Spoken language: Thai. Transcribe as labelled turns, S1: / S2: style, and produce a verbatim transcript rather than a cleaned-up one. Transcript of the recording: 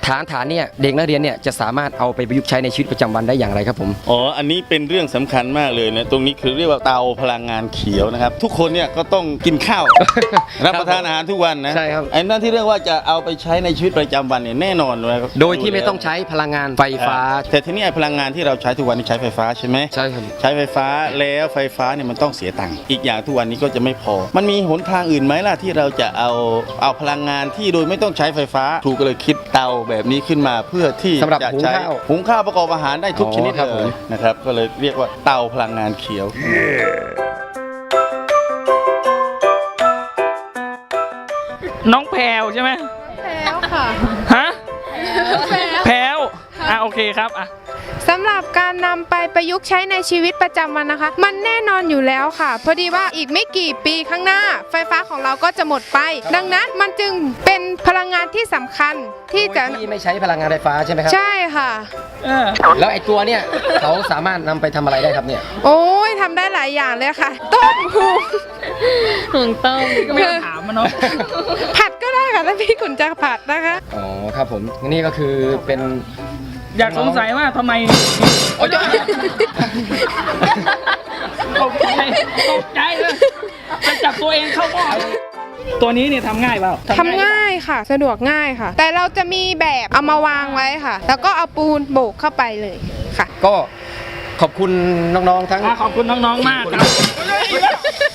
S1: ฐานฐานเนี่ยเด็กนักเรียนเนี่ยจะสามารถเอาไปประยุกต์ใช้ในชีวิตประจำวันได้อย่างไรครับผม
S2: อ๋ออันนี้เป็นเรื่องสำคัญมากเลยนะตรงนี้คือเรียกว่าเตาพลังงานเขียวนะครับทุกคนเนี่ยก็ต้องกินข้าว รับประทานอาหารทุกวันนะ
S1: ใช่ครับ
S2: ไอ้นั่นที่เรียกว่าจะเอาไปใช้ในชีวิตประจำวันเนี่ยแน่นอนเลย
S1: โดยที่ไม่ต้องใช้พลังงานไฟฟ้า
S2: แต่ทีนี้ไอ้พลังงานที่เราใช้ทุกวันนี้ใช้ไฟฟ้าใช่ไหม
S1: ใช่ครับ
S2: ใช้ไฟฟ้าแล้วไฟฟ้าเนี่ยมันต้องเสียตังค์อีกอย่างทุกวันนี้ก็จะไม่พอมันมีหนทางอื่นไหมล่ะที่เราจะเอาเอาพลังงานที่โดยไม่ต้องใช้ไฟฟ้าถูกเลยคิดเตาแบบนี้ขึ้นมาเพื่อที่
S1: สำหรับ
S2: จะ
S1: หุง
S2: ใช้
S1: ข้าว
S2: หุงข้าวประกอบอาหารได้ทุกชนิด
S1: ครับ
S2: เล
S1: ผม
S2: ยนะครับก็เลยเรียกว่าเตาพลังงานเขียว
S3: น้องแพรวใช่ไหม
S4: แพรวค่ะ
S3: ฮะแพรวอ่ะโอเคครับอ่ะ
S4: สำหรับการนำไปประยุกต์ใช้ในชีวิตประจำวันนะคะมันแน่นอนอยู่แล้วค่ะพอดีว่าอีกไม่กี่ปีข้างหน้าไฟฟ้าของเราก็จะหมดไปดังนั้นมันจึงเป็นพลังงานที่สำคัญที่จะ
S1: ที่ไม่ใช้พลังงานไฟฟ้าใช่ไหมครับ
S4: ใช่ค่ะ
S1: แล้วไอ้ตัวเนี่ยเขาสามารถนำไปทำอะไรได้ครับเนี่ย
S4: โอ้ยทำได้หลายอย่างเลยค่ะต้มหุง
S5: หุงต้ม
S3: ก็ไม่ต้องถามมันเนาะ
S4: ผัดก็ได้ค่ะถ้าพี่ขุนจะผัดนะคะ
S1: อ๋อครับผมนี่ก็คือเป็น
S3: อยากสงสัยว่าทำไมตกใจตกใจเลยจะจับตัวเองเข้าหม้อตัวนี้เนี่ยทำง่ายเปล่า
S4: ทำง่ายค่ะสะดวกง่ายค่ะแต่เราจะมีแบบเอามาวางไว้ค่ะแล้วก็เอาปูนโบกเข้าไปเลยค่ะ
S1: ก็ขอบคุณน้องๆทั้ง
S3: ขอบคุณน้องๆมากครับ